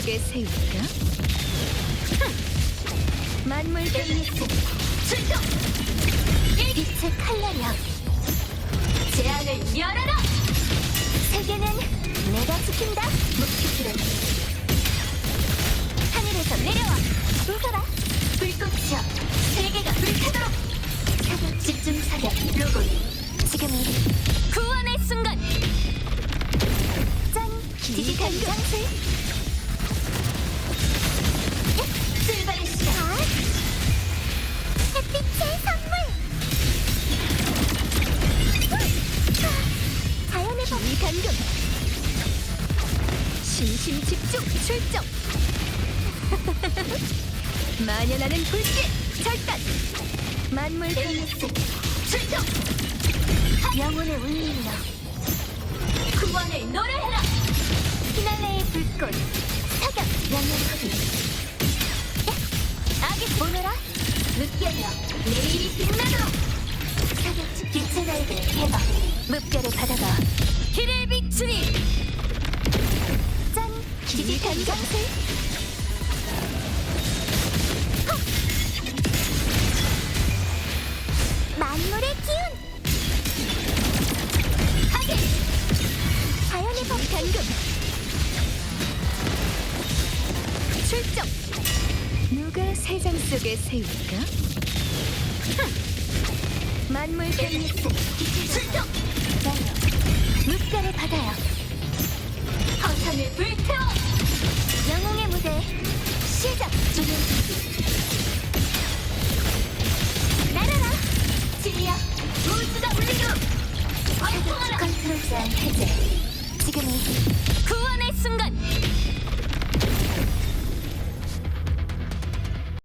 속에 세울까? 만물 베이스 출동! 빛의 칼날이여 재앙을 열어라! 세계는 내가 지킨다! 목표들은 하늘에서 내려와! 웃어라! 불꽃이여 세계가 불타도록! 사격 집중 사격 로봇 지금이 구원의 순간! 짠! 디지털 장치 출발의 시간! 햇빛의 선물! 자연의 범위 감금! 신심 집중 출정! 만연하는 불길 절단! 만물 베이스 출동! 영혼의 울림이여 구원을 노래해라! 피날레의 불꽃 사격 영역하기 악의 오너라 묵결이여 내일이 빛나도록 사격 빛의 날개 해봐 묵결의 바다가 길을 비추리 짠 디지털 장치 만물의 기운 하게 자연의 범 감금 출정 누가 세상 속에 세울까? 만물 베이스 출동